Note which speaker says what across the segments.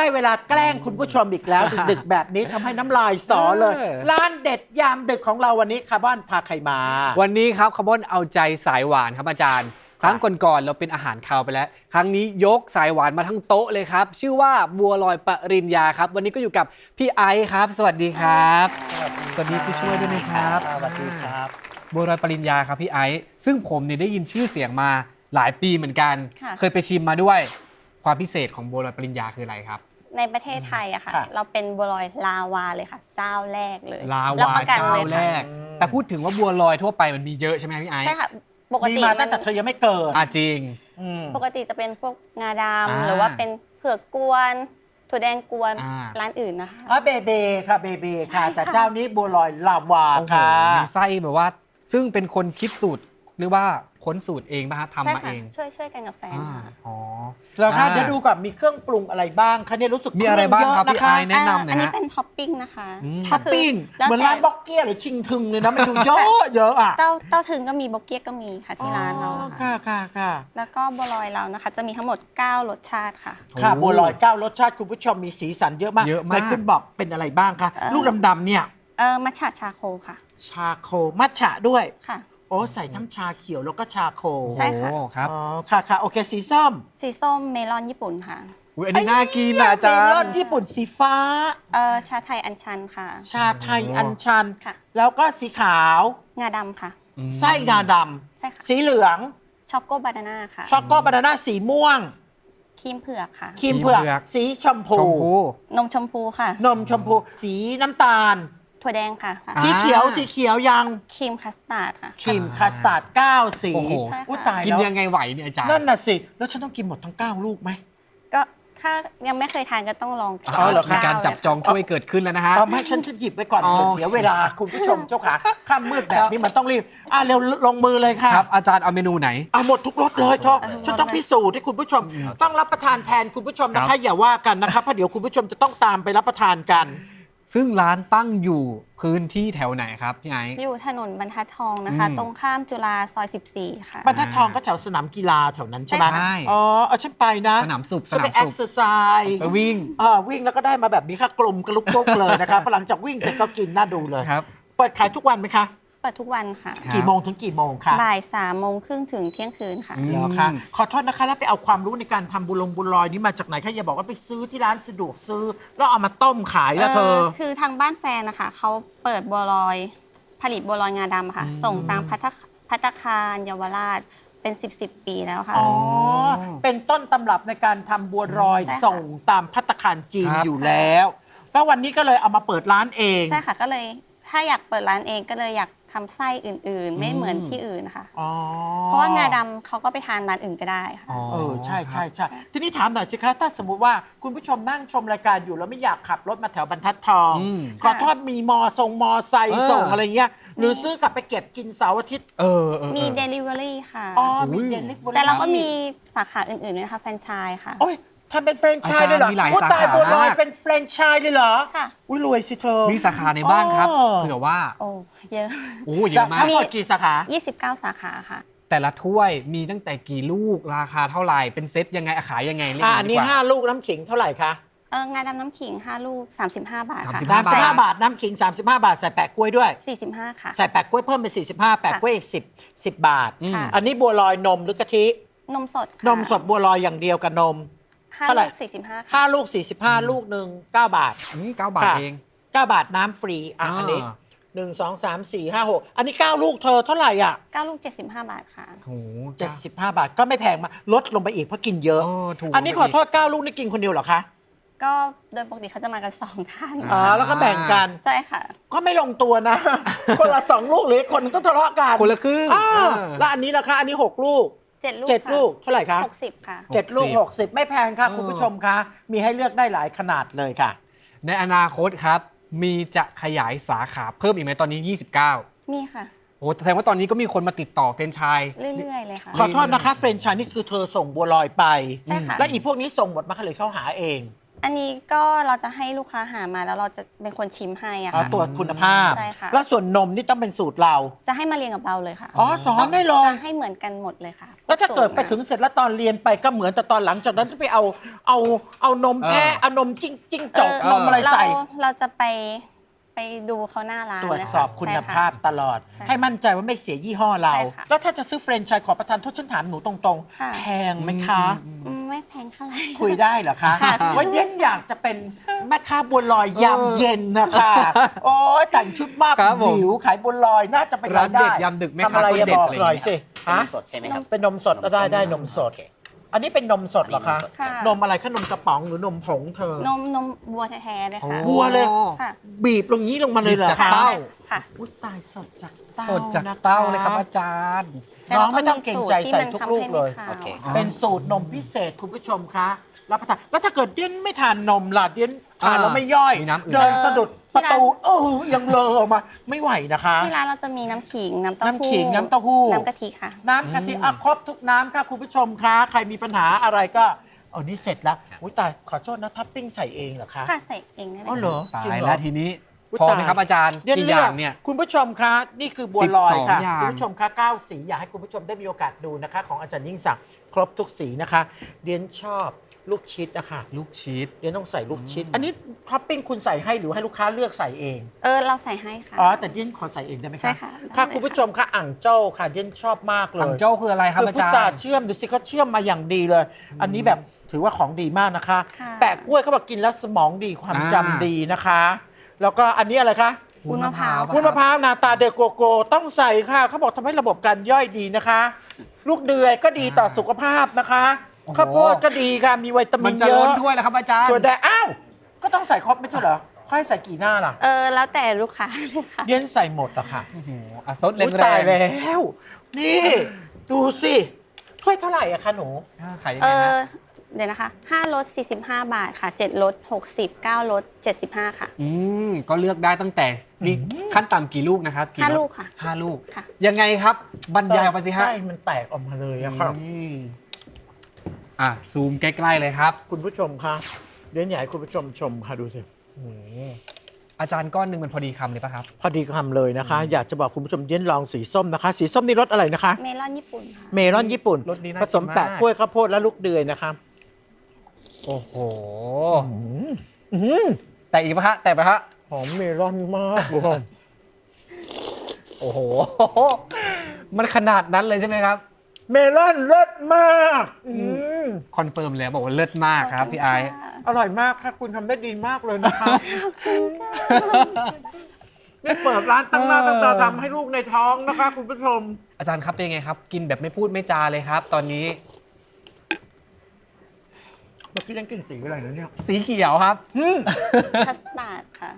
Speaker 1: ได้เวลาแกล้งคุณผู้ชมอีกแล้ว ดึกๆแบบนี้ทำให้น้ำลายสอเลย ร้านเด็ดยามดึกของเราวันนี้คาร์บอนพาใครมา
Speaker 2: วันนี้ครับคาร์บอนเอาใจสายหวานครับอาจารย์ครั้งก่อนๆเราเป็นอาหารคาวไปแล้วครั้งนี้ยกสายหวานมาทั้งโต๊ะเลยครับชื่อว่าบัวลอยปริญญาครับวันนี้ก็อยู่กับพี่ไอซ์ครับสวัสดีครับสวัสดีพี่ช่วยด้วยนะครับ
Speaker 1: สวัสดีครับ
Speaker 2: บัวลอยปริญญาครับพี่ไอซ์ซึ่งผมเนี่ยได้ยินชื่อเสียงมาหลายปีเหมือนกันเคยไปชิมมาด้วยความพิเศษของบัวลอยปริญญาคืออะไรครับ
Speaker 3: ในประเทศไทยอะค่ะ
Speaker 1: ค่ะ
Speaker 3: เราเป็นบัวลอยลาวาเลยค่ะ เจ้าแรกเลย
Speaker 2: ลา
Speaker 3: รับ
Speaker 2: วา
Speaker 3: ประกัน
Speaker 2: เจ้า
Speaker 3: เลย
Speaker 2: แร
Speaker 3: ค่ะ
Speaker 2: ก แต่พูดถึงว่าบัวลอยทั่วไปมันมีเยอะใช่ไหมพี่ไอซ์
Speaker 3: ใช่ค่ะปก
Speaker 1: มี
Speaker 3: ติ
Speaker 1: มา
Speaker 3: มั
Speaker 1: ตั้งแต่เธอยังไม่เกิด
Speaker 2: จริง
Speaker 3: ปกติจะเป็นพวกงาด
Speaker 2: อ่า
Speaker 3: ำหรือว่าเป็นเผือกกวนถั่วแดงกวน
Speaker 2: อ่า
Speaker 3: ร้านอื่นนะคะ
Speaker 1: เบเบค่ะเบเบค่ะ แต่เจ้านี้บัวลอยลาวา
Speaker 2: โอ้โห
Speaker 1: ค่ะ
Speaker 2: มีไส้แบบว่า ซึ่งเป็นคนคิดสูตรหรือว่าค้นสูตรเองป่ะฮะ
Speaker 3: ใช่
Speaker 2: ทำมา
Speaker 3: ค่ะ
Speaker 2: เอง
Speaker 3: ช่วยกันกับแฟนค่ะ
Speaker 2: อ๋อ
Speaker 1: แล้วค่ะเดี๋ยวดูก่อนมีเครื่องปรุงอะไรบ้างคะเนี่ยรู้สึก
Speaker 2: มีอะไรบ้างครับ
Speaker 1: เย
Speaker 2: พี่
Speaker 1: อะ
Speaker 2: ไอ
Speaker 1: นะคะ
Speaker 2: ซ์แนะนำหน่
Speaker 3: อั
Speaker 2: อย
Speaker 3: นี้
Speaker 2: ฮะ
Speaker 3: เป็นท็อปปิ้งนะคะ
Speaker 1: ท็อปปิ้ง
Speaker 3: แล้ว
Speaker 1: เหมือน
Speaker 3: แต่
Speaker 1: ร้านบ็อกเกี้ยหรือชิงทึงเลยนะมันดูเยอะเยอะอ่ะ
Speaker 3: เต้าถึงก็มีโบเกียก็มีค่ะที่ร้านเรา
Speaker 1: อ๋อ
Speaker 3: ค่ะ
Speaker 1: ค่ะ
Speaker 3: แล้วก็บัวลอยเรานะคะ จะมีทั้งหมด 9 รสชาติค่ะ
Speaker 1: ค่ะ
Speaker 2: โอ้
Speaker 1: บัวลอย9รสชาติคุณผู้ชมมีสีสันเยอะมาก
Speaker 2: เยอะมาก
Speaker 1: ไหนคุณบอกเป็นอะไรบ้างคะลูกดำๆเนี่ย
Speaker 3: มัทฉะชาโคค่ะ
Speaker 1: ชาโคมัทฉะด้วย
Speaker 3: ค่ะ
Speaker 1: โอ้ใส่ทั้งชาเขียวแล้วก็ชาโค
Speaker 3: ใช่ค่ะ
Speaker 2: โอ้ครับ
Speaker 1: อ๋อค่ะโอเคสีส้ม
Speaker 3: สีส้มเมลอนญี่ปุ่นค่ะ
Speaker 2: อุ๊ยอันนี้น่ากินนะอาจาร
Speaker 1: เมลอน
Speaker 2: ย์
Speaker 1: ญี่ปุ่นสีฟ้า
Speaker 3: ชาไทยอัญชันค่ะ
Speaker 1: ชาไทยอัญชัน
Speaker 3: ค่ะ
Speaker 1: แล้วก็สีขาว
Speaker 3: งาดำค่ะ
Speaker 1: ไส้งาด
Speaker 3: ใช่ค่ะ
Speaker 1: ำสีเหลือง
Speaker 3: ช็อกโกบานาน่าค่ะ
Speaker 1: ช็อกโกบานาน่าสีม่วง
Speaker 3: ครีมเผือกค่ะ
Speaker 1: ครีมเผือกสีชมพู
Speaker 2: ชมพู
Speaker 3: นมชมพูค่ะ
Speaker 1: นมชมพู สีน้ำตาล
Speaker 3: ถั่วแดงค่ะ
Speaker 1: สีเขียวยัง
Speaker 3: ครีมคัสตาร์ดค่ะ
Speaker 1: ครีมคัสตาร์ด9สี
Speaker 2: โอ้โห
Speaker 3: ใช่ค่ะ
Speaker 1: อุ๊ยตาย
Speaker 2: กิน
Speaker 1: แล้ว
Speaker 2: ยังไงไหวเนี่ยอาจารย์
Speaker 1: นั่นน่ะสิ แล้วฉันต้องกินหมดทั้ง 9 ลูกไหม
Speaker 3: ก็ถ้ายังไม่เคยทานก็ต้องลอง
Speaker 1: อ๋อเหรอคะ
Speaker 2: มีการจับจองช่วยเกิดขึ้นแล้วนะฮะ
Speaker 1: ทำให้ฉันหยิบไว้ก่อน
Speaker 2: อ๋อ
Speaker 1: เดี๋ยวเสียเวลาคุณผู้ชมเจ้าขาข้ามมืดแบบนี้มันต้องรีบเร็วลงมือเลยค่ะ
Speaker 2: ครับอาจารย์เอาเมนูไหน
Speaker 1: เอาหมดทุกรสเลยเธอฉันต้องพิสูจน์ให้คุณผู้ชม ต้องรับประทานแทนคุณผู้ชมนะ
Speaker 2: ครั
Speaker 1: คะ
Speaker 2: บ
Speaker 1: อย่าว่ากันนะคะเพราะเดี๋ยวคุณผู้ชมจะต้องตามไปรับประทานกัน
Speaker 2: ซึ่งร้านตั้งอยู่พื้นที่แถวไหนครับพี่ไอซ์
Speaker 3: อยู่ถนนบรรทัดทองนะคะ
Speaker 2: อืม
Speaker 3: ตรงข้ามจุฬาซอย 14 ค่ะ
Speaker 1: บรรทัดทองก็แถวสนามกีฬาแถวนั้นใช่ไหม
Speaker 2: ใช่
Speaker 1: อ๋อเอาฉันไปนะ
Speaker 2: สนามสุข
Speaker 1: ฉันไป
Speaker 2: ส
Speaker 1: แอ
Speaker 2: นาม
Speaker 1: ค
Speaker 2: สุข
Speaker 1: เซอร์ไซส์
Speaker 2: ไปวิ่ง
Speaker 1: วิ่งแล้วก็ได้มาแบบนี้ค่ะกลมกระลุกลุกเลยนะคะพอหลังจากวิ่งเสร็จก็กินน่าดูเลย
Speaker 2: ครับ
Speaker 1: เปิดขายทุกวันไหมคะ
Speaker 3: เปิดทุกวันค่ะ
Speaker 2: ครับ
Speaker 1: กี่โมงถึงกี่โมงคะ
Speaker 3: บ่าย3:30ถึงเที่ยงคืนค่ะ
Speaker 2: อืม
Speaker 1: เหรอคะขอโทษนะคะแล้วไปเอาความรู้ในการทำบุญลอยนี้มาจากไหนคะอย่าบอกว่าไปซื้อที่ร้านสะดวกซื้อแล้วเอามาต้มขายแล้วเธอ
Speaker 3: คือทางบ้านแฟนนะคะเขาเปิดบัวลอยผลิตบัวลอยงาดำอะค่ะ ส่งตามภัตตาคารเยาวราชเป็น10 ปีแล้วค่ะ
Speaker 1: อ๋อ เป็นต้นตำรับในการทำบัวรอย
Speaker 3: ใช่ค่ะ
Speaker 1: ส่งตามภัตตาคารจีน
Speaker 2: ครับ
Speaker 1: อยู่แล้ว แล้ววันนี้ก็เลยเอามาเปิดร้านเอง
Speaker 3: ใช่ค่ะก็เลยถ้าอยากเปิดร้านเองก็เลยอยากทำไส้อื่นๆ ไม่เหมือนที่อื่นนะคะ
Speaker 1: อ๋อ
Speaker 3: เพราะว่างาดำเขาก็ไปทานร้านอื่นก็ได้ค่ะ
Speaker 1: ใช่ทีนี้ถามหน่อยสิคะถ้าสมมุติว่าคุณผู้ชมนั่งชมรายการอยู่แล้วไม่อยากขับรถมาแถวบรรทัดทอง
Speaker 2: อืม
Speaker 1: ขอโทษมีมอไซค์ส่งอะไรเงี้ยหรือซื้อกลับไปเก็บกินเสาร์อาทิตย์
Speaker 3: มี Delivery ค่ะ
Speaker 1: อ๋อมี
Speaker 2: อุ้ย
Speaker 1: เดลิเวอรี่
Speaker 3: แต่เราก็มีสาขาอื่นๆด้วยนะคะแฟรนไชส์ค่ะ
Speaker 1: โอ้ยทำเป็นแฟรนไชส์เลยเหรอ
Speaker 2: อาจารย์มีหลาย
Speaker 1: อุ๊
Speaker 2: สาขา
Speaker 1: ตายบัวลอย
Speaker 2: มาก
Speaker 1: เป็นแฟรนไชส์เลยเหรอ
Speaker 3: ค่ะ
Speaker 1: อุ้ยรวยสิเธอ
Speaker 2: มีสาขาในบ้างครับ
Speaker 1: อ๋อ
Speaker 2: เผื่อว่า
Speaker 3: โอ้เยอะ
Speaker 2: โอ้เยอะมาก
Speaker 1: ทั้งหมดกี่สาขา
Speaker 3: 29 สาขาค่ะ
Speaker 2: แต่ละถ้วยมีตั้งแต่กี่ลูกราคาเท่าไหร่เป็นเซตยังไงขายยังไงเรียก
Speaker 1: อัน
Speaker 2: ดี
Speaker 1: นี้
Speaker 2: กว่า
Speaker 1: 5 ลูกน้ำขิงเท่าไหร่คะ
Speaker 3: งาดำน้ำขิง 5 ลูก 35 บาทค่ะ
Speaker 2: 35
Speaker 1: 35 บาทน้ำขิง 35 บาท ใส่แปะกล้วยด้วย
Speaker 3: 45 ค่ะ
Speaker 1: ใส่แปะกล้วยเพิ่มเป็น45 แปะกล้วยอีก10 บาท
Speaker 2: อืม
Speaker 3: ค่ะ
Speaker 1: อันนี้บัวลอยนมหรือกะทิ
Speaker 3: นมสดค่ะ
Speaker 1: นมสดบัวลอยอย่างเดียวกับนม
Speaker 3: 5
Speaker 1: เท่าไหร่
Speaker 3: ลูก 45 ค่ะ
Speaker 1: 5 ลูก 45 ลูกหนึ่ง9 บาท
Speaker 2: 9 บาท
Speaker 1: ค่ะ
Speaker 2: เอง
Speaker 1: 9 บาทน้ำฟรีอันนี้ 1 2 3 4 5 6อันนี้ 9 ลูกเธอเท่าไหร่อ่ะ
Speaker 3: 9 ลูก 75 บาทค่ะ
Speaker 2: โอ้โห
Speaker 1: 75 บาทก็ไม่แพงมากลดลงไปอีกเพราะกินเยอะ
Speaker 2: ถูก
Speaker 1: อันนี้ขอโทษ 9 ลูกนี่กินคนเดียวเหรอคะ
Speaker 3: ก็โดยปกติเขาจะมากัน 2 ท่าน
Speaker 1: แล้วก็แบ่งกัน
Speaker 3: ใช่ค่ะ
Speaker 1: ก็ไม่ลงตัวนะ คนละ 2 ลูกหรืออีกคนนึงต้องทะเลาะกัน
Speaker 2: คนละครึ่ง
Speaker 1: แล้วอันนี้ล่ะคะอันนี้ 6 ลูก
Speaker 3: 7 ลูก
Speaker 1: 7 ลูกเท่าไหร่คะ
Speaker 3: 60 ค่ะ
Speaker 1: 7 ลูก 60 ไม่แพงค่ะ คุณผู้ชมคะมีให้เลือกได้หลายขนาดเลยค่ะ
Speaker 2: ในอนาคตครับ มีจะขยายสาขาเพิ่มอีกไหมตอนนี้ 29
Speaker 3: มีค่ะ
Speaker 2: โอ้แสดงว่าตอนนี้ก็มีคนมาติดต่อแฟรนไชส์
Speaker 3: เรื่อยๆเลยค่ะ
Speaker 1: ขอโทษนะคะเฟรนช์ชายนี่คือเธอส่งบัวลอยไป
Speaker 3: ใช่ค่ะ
Speaker 1: และอีพวกนี้ส่งหมดมาเลยเข้าหาเอง
Speaker 3: อันนี้ก็เราจะให้ลูกค้าหามาแล้วเราจะเป็นคนชิมให้อะ
Speaker 1: อ๋อ
Speaker 3: ค่ะ
Speaker 1: ตรวจคุณภาพ
Speaker 3: ใช่ค่ะ
Speaker 1: แล้วส่วนนมนี่ต้องเป็นสูตรเรา
Speaker 3: จะให้มาเรียนกับเราเลยค่ะ
Speaker 1: อ๋อสอนได้เลย
Speaker 3: จะให้เหมือนกันหมดเลยค่ะ
Speaker 1: แล้วถ้าเกิดไปถึงเสร็จแล้วตอนเรียนไปก็เหมือนแต่ตอนหลังจากนั้นไปเอานมแพะเอานมจิ้งจกนมอะไรใส่
Speaker 3: เราจะไปดูเขาหน้าร้าน
Speaker 1: ตรวจสอบคุณภาพตลอด
Speaker 3: ใช่ค่ะ
Speaker 1: ให้มั่นใจว่าไม่เสียยี่ห้อเรา
Speaker 3: ใช่ค่ะ
Speaker 1: แล้วถ้าจะซื้อแฟรนไชส์ขอประทานโทษฉันถามหนูตรง
Speaker 3: ค่ะ
Speaker 1: ๆ แพงไหมคะ
Speaker 3: ไม่แพงเท่าไหร่
Speaker 1: คุยได้เหรอคะ
Speaker 3: ค่ะ
Speaker 1: ว่าเย็นอยากจะเป็นแม่ค้าบัวลอยยามเย็นนะคะ โอ้ยแต่งชุดมาก
Speaker 2: ครับผม
Speaker 1: หิวขายบัวลอยน่าจะเป็น
Speaker 2: ร้านเด็ด
Speaker 1: ได้
Speaker 2: ยามดึกแม่
Speaker 1: ทำ
Speaker 2: ค้า
Speaker 1: อะไร
Speaker 2: คน
Speaker 1: อย่า
Speaker 2: เด็ด
Speaker 1: บอก
Speaker 2: อะไร
Speaker 1: หน่อย
Speaker 2: อย่าง
Speaker 1: สิ
Speaker 2: เงี้ย
Speaker 1: ฮะ
Speaker 4: นมสดใช่ไหมครับ
Speaker 1: เป็นนมสดได้นมสด
Speaker 4: โอเค
Speaker 1: อันนี้เป็นนมสดเหรอคะ
Speaker 3: ค่ะ
Speaker 1: นมอะไรคะนมกระป๋องหรือนมผงเธอ
Speaker 3: นมวัวแท้ๆเลยค่ะ
Speaker 1: บัวเลย
Speaker 3: ค่ะ
Speaker 1: บีบลงนี้ลงมาเลยเหรอ
Speaker 2: บีบจาก
Speaker 1: คะ
Speaker 2: เต้า
Speaker 3: ค่ะ
Speaker 1: อุ๊ยตายสดจากเต้า
Speaker 2: สดจาก
Speaker 1: นะคะ
Speaker 2: เต้าเลยครับอาจารย์
Speaker 1: น้องไม่ต้องเกรงใจใส่ทุกลูกเลย
Speaker 4: โอเค
Speaker 1: เป็นสูตรนมพิเศษคุณผู้ชมคะรับประทานแล้วถ้าเกิดเดี้ยนไม่ทานนมล่ะเดี้ยนทานแล้วไม่ย่อย
Speaker 2: มีน้ำอื่น
Speaker 1: เดินสะดุดประตูยังเลอะออกมาไม่ไหวนะคะ
Speaker 3: ที่ร้านเราจะมีน้ำขิง น้ำเต้าหู้
Speaker 1: น้ำขิงน้ำเต้าหู้
Speaker 3: น้ำกะทิค่ะ
Speaker 1: น้ำกะทิครบทุกน้ำค่ะคุณผู้ชมคะใครมีปัญหาอะไรก็เอานี่เสร็จแล้วอุ้ยตายขอโทษนะท็อปปิ้งใส่เองเหรอคะ
Speaker 3: ค่ะใส่เองได้เลย
Speaker 1: อ๋อเหรอ
Speaker 2: ตา
Speaker 1: จริง
Speaker 2: ย
Speaker 1: เหร
Speaker 2: แล้
Speaker 1: อ
Speaker 2: วทีนี้
Speaker 1: อุ๊ย
Speaker 2: พอไหม
Speaker 1: ตาย
Speaker 2: ครับอาจารย์
Speaker 1: เดี๋ยว
Speaker 2: กี่
Speaker 1: เลื
Speaker 2: อ
Speaker 1: อย่าง
Speaker 2: เนี่ย
Speaker 1: คุณผู้ชมคะนี่คือบัวลอยค่ะ
Speaker 2: 12อย่าง
Speaker 1: คุณผู้ชมคะ9สีอยากให้คุณผู้ชมได้มีโอกาสดูนะคะ ของอาจารย์ยิ่งศักดิ์ครบทุกสีนะคะเดียนชอบลูกชิดนะคะ
Speaker 2: ลูกชีส
Speaker 1: เดียนต้องใส่ลูกชิด อันนี้ท็อปปิ้งคุณใส่ให้หรือให้ลูกค้าเลือกใส่เอง
Speaker 3: เราใส่ให้ค่ะ
Speaker 1: อ๋อแต่เดียนขอใส่เองได้ไหมคะ
Speaker 3: ใช่ค่ะได้
Speaker 1: ค่ะ
Speaker 3: เลย
Speaker 1: คุณผู้ชมคะอ่างเจ้าค่ะเดียนชอบมากเลย
Speaker 2: ถังเจ้าคืออะไรครับ
Speaker 1: คือ
Speaker 2: อา
Speaker 1: พุ
Speaker 2: จาร
Speaker 1: ทรา
Speaker 2: ย์
Speaker 1: เชื่อมดูสิเขาเชื่อมมาอย่างดีเลย อันนี้แบบถือว่าของดีมากนะคะ
Speaker 3: ค่ะ
Speaker 1: แปะกล้วยเขาบอกกินแล้วสมองดีความจำ
Speaker 2: อ่า
Speaker 1: ดีนะคะ แล้วก็อันนี้อะไรคะ
Speaker 3: วุ้นมะพร้าว
Speaker 1: วุ้นมะพร้าวนาตาเดโกโกต้องใส่ค่ะเขาบอกทำให้ระบบการย่อยดีนะคะ ลูกเดือยก็ดีต่อสุขภาพนะคะ
Speaker 2: โอ้โห
Speaker 1: ข้าวโพดก็ดีค่ะมีวิตามิ
Speaker 2: มัน
Speaker 1: น
Speaker 2: จะ
Speaker 1: เย
Speaker 2: ล้
Speaker 1: อะ
Speaker 2: นถ้วยแล้วครับอาจารย์
Speaker 1: ถั่วแดงอ้าวก็ต้องใส่ครบไม่ใช่เหรอค่อยใส่กี่หน้าล่ะ
Speaker 3: แล้วแต่ลูกค้าเลยค่ะ
Speaker 1: เย็นใส่หมดอะค่ะ
Speaker 2: โอ้โหอ่ะซดแร
Speaker 1: อุ๊ย
Speaker 2: ง
Speaker 1: ตาย
Speaker 2: ๆ
Speaker 1: แล้ว นี่ ดูสิถ้วยเท่าไหร่อะคะหนู
Speaker 2: ขายยังไงฮะ
Speaker 3: เดี๋ยวนะคะ5รส45 บาทค่ะ7รส60 9รส75ค่ะ
Speaker 2: ก็เลือกได้ตั้งแต่มีขั้นต่ำกี่ลูกนะครับ
Speaker 3: ห้าลูกค่ะ
Speaker 2: 5 ลูก
Speaker 3: ค่ะ
Speaker 2: ยังไงครับบรรยายออกไปสิฮะ
Speaker 1: ไส้มันแตกออกมาเลยอะครับ
Speaker 2: ซูมใกล้ๆเลยครับ
Speaker 1: คุณผู้ชมคะเดี๋ยวอยากให้คุณผู้ชมชมค่ะดูสิ
Speaker 2: อาจารย์ก้อนหนึ่งมันพอดีคำเลยป่ะครับ
Speaker 1: พอดีคำเลยนะคะ อยากจะบอกคุณผู้ชมเดี๋ยวลองสีส้มนะคะ สีส้มนี่รสอะไรนะคะ
Speaker 3: เมลอนญี่ปุ่นค่ะ
Speaker 1: เมลอนญี่ปุ่น
Speaker 2: รสนี้น่า
Speaker 1: ผสม
Speaker 2: กินมาก
Speaker 1: แปะกล้วยข้าวโพดและลูกเดือยนะคะ
Speaker 2: โอ้โห
Speaker 1: อื้อหือ
Speaker 2: แต่อีกป่ะฮะแต่ป่ะฮะ
Speaker 1: หอมเมลอนมากเลย
Speaker 2: โอ้โห มันขนาดนั้นเลยใช่ไหมครับ
Speaker 1: เมลอนเลิศมากม
Speaker 2: คอนเฟิร์มเลยบอกว่าเลิศมากครับพี่ไอซ์
Speaker 1: อร่อยมากค่ะคุณทำได้ดีมากเลยนะคะนี่เปิดร้านตั้งหน้าตั้งตาทำให้ลูกในท้องนะคะ คุณผู้ชม
Speaker 2: อาจารย์ครับเป็นไงครับ กินแบบไม่พูดไม่จาเลยครับ ตอนนี้
Speaker 1: เมื่อกี้ยังกินสีอะไรนะเนี่ย
Speaker 2: สีเขียวครับ
Speaker 3: คัสตาร์ดค่ะ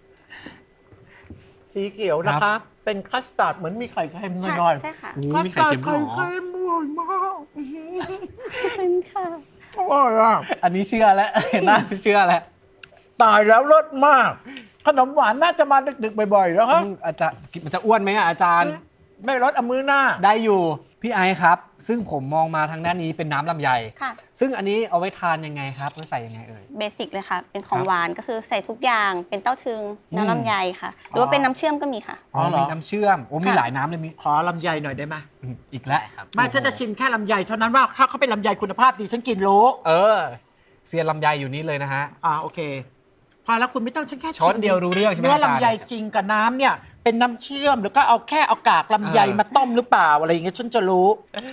Speaker 1: สีเขียวนะคะ เป็นคัสตาร์ดเหมือนมีไข่เค็มห
Speaker 3: ใช่
Speaker 1: น่อย
Speaker 3: ใช่ค่ะ
Speaker 2: โอ้
Speaker 1: คัส
Speaker 2: มีไข่
Speaker 1: ตาร์ด
Speaker 2: เค็มด้วย
Speaker 1: ไข่
Speaker 2: เหรอ
Speaker 1: เค็มอร่อยมาก
Speaker 3: เป็นค่ะ
Speaker 1: อร่อยอ่ะ
Speaker 2: อันนี้เชื่อแล้ว เห็นหน้าเชื่อแล้ว
Speaker 1: ตายแล้วรสมาก ขนมหวานน่าจะมาดึกๆบ่อยๆแล้วฮะ
Speaker 2: อาจารย์มันจะอ้วนไหมอะอาจารย์
Speaker 1: ไม่รสเอามือหน้า
Speaker 2: ได้อยู่พี่ไอซ์ครับ ซึ่งผมมองมาทางด้านนี้เป็นน้ำลำไย
Speaker 3: ค่ะ
Speaker 2: ซึ่งอันนี้เอาไว้ทานยังไงครับแล้วใส่ยังไงเอ่ย
Speaker 3: เบสิกเลยค่ะ เป็นของ
Speaker 2: ครับ
Speaker 3: หวานก็คือใส่ทุกอย่าง เป็นเต้าถึง น้ำลำไยค่ะ หรือว่าเป็นน้ำเชื่อมก็มีค่ะ
Speaker 1: อ๋อเหรอ
Speaker 2: มีน้ำเชื่อมโอ้มี
Speaker 3: ค่ะ
Speaker 2: หลายน้ำเลยมี
Speaker 1: ขอลำไยหน่อยได้ไหม
Speaker 2: อีกแล้ว
Speaker 4: ได้ครับ
Speaker 1: ไม่ฉันจะชิมแค่ลำไยเท่านั้นว่าถ้าเขาเป็นลำไยคุณภาพดีฉันกินรู้
Speaker 2: เซียนลำไยอยู่นี่เลยนะฮะ
Speaker 1: โอเค พอแล้วคุณไม่ต้องฉันแค่
Speaker 2: ช้อนเดียวรู้เรื่องใช่ไหม
Speaker 1: เนื้อ
Speaker 2: อาจารย์
Speaker 1: ลำไยจริงกับน้ำเนี่ย เป็นน้ำเชื่อมหรือก็เอาแค่เอากากลำไยมาต้มหรือเปล่าอะไรอย่างเงี้ยฉันจะรู้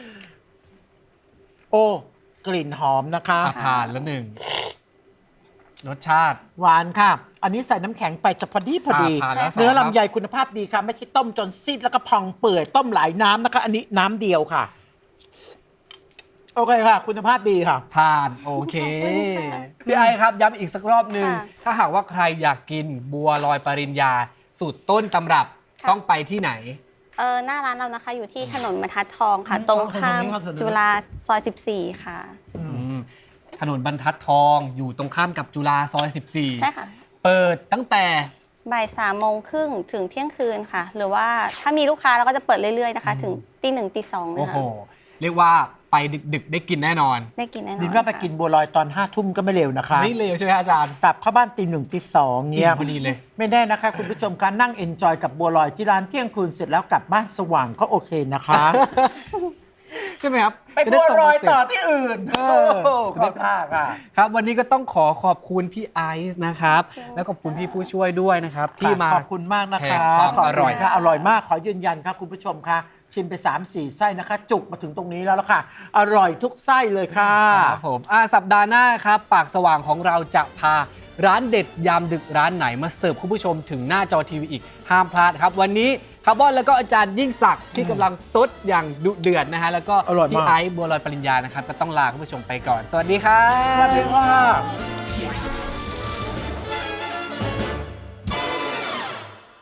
Speaker 1: โอ้กลิ่นหอมนะคะ
Speaker 2: ผ่านแล้วหนึ่งรสชาติ
Speaker 1: หวานค่ะ อันนี้ใส่น้ำแข็งไปจะพอดีพอดี
Speaker 2: ผ่านแล้ว
Speaker 1: เนื้อ
Speaker 2: สองครับ
Speaker 1: ลำไยคุณภาพดีค่ะ ไม่ใช่ต้มจนซีดแล้วก็พองเปื่อยต้มหลายน้ำนะคะ อันนี้น้ำเดียวค่ะ โอเคค่ะ คุณภาพดีค่ะ
Speaker 2: ผ่านโอเค
Speaker 3: ขอบคุณค่ะ
Speaker 2: พี่ไอครับย้ำอีกสักรอบหนึ่ง
Speaker 3: ค่ะ
Speaker 2: ถ้าหากว่าใครอยากกินบัวลอยปริญญา สูตรต้นตำรับ
Speaker 3: ค่ะ
Speaker 2: ต้องไปที่ไหน
Speaker 3: หน้าร้านเรานะคะ อยู่ที่ถนนบรรทัดทองค่ะ
Speaker 1: อืม
Speaker 3: ตรงข้าม
Speaker 1: ถนนนี้ครับถนนนี้
Speaker 3: จุฬาซอย 14 ค่ะ
Speaker 2: ถนนบรรทัดทองอยู่ตรงข้ามกับจุฬาซอย 14
Speaker 3: ใช่ค่ะ
Speaker 2: เปิดตั้งแต่
Speaker 3: บ่าย3:30ถึงเที่ยงคืนค่ะ หรือว่าถ้ามีลูกค้าเราก็จะเปิดเรื่อยๆนะคะ ถึงตี 1ตี 2เลย
Speaker 2: โอ้โห
Speaker 3: ค่ะ
Speaker 2: เรียกว่าไปดึกๆได้กินแน่นอน
Speaker 3: ได้กินแน่นอน
Speaker 1: ดินว่าไป
Speaker 3: ค่ะ
Speaker 1: กินบัวลอยตอน5 ทุ่มก็ไม่เร็วนะคะ
Speaker 2: ไม่เลวใช่ไหมอาจารย์
Speaker 1: กลับเข้าบ้านตี 1ตี 2เนี่ย
Speaker 2: อิ่มพอดีเลย
Speaker 1: ไม่แน่นะคะ คุณผู้ชมการนั่งเอนจอยกับบัวลอยที่ร้านเที่ยงคืนเสร็จแล้วกลับบ้านสว่างก็โอเคนะคะ
Speaker 2: ใช่ไหมครับ
Speaker 1: ไปบัวลอยต่อที่อื่น
Speaker 2: เออ
Speaker 1: ขอบท่าค่ะ
Speaker 2: ครับวันนี้ก็ต้องขอบคุณพี่ไอซ์นะครับ แล้วขอบคุณพี่ผู้ช่วยด้วยนะครับ ที่มา
Speaker 1: ขอบคุณมากนะ
Speaker 2: แช
Speaker 1: คะ
Speaker 2: ร์ความอร่อย
Speaker 1: ขบคุณค่ะอร่อยมากขอยืนยันครับคุณผู้ชมค่ะชิมไป 3-4 ไส้นะคะ จุกมาถึงตรงนี้แล้วล่ะค่ะ อร่อยทุกไส้เลยค่ะ
Speaker 2: ครับผมสัปดาห์หน้าครับปากสว่างของเราจะพาร้านเด็ดยามดึกร้านไหนมาเสิร์ฟคุณผู้ชมถึงหน้าจอทีวีอีกห้ามพลาดครับ วันนี้คาร์บอนแล้วก็อาจารย์ยิ่งศักดิ์ที่กำลังซดอย่างดุเดือดนะฮะแล้วก็
Speaker 1: อร่อยมาก
Speaker 2: พี่ไอซ์บัวลอยปริญญานะครับก็ต้องลาคุณผู้ชมไปก่อน สวัสดีครับ
Speaker 1: สวัสดีค่ะ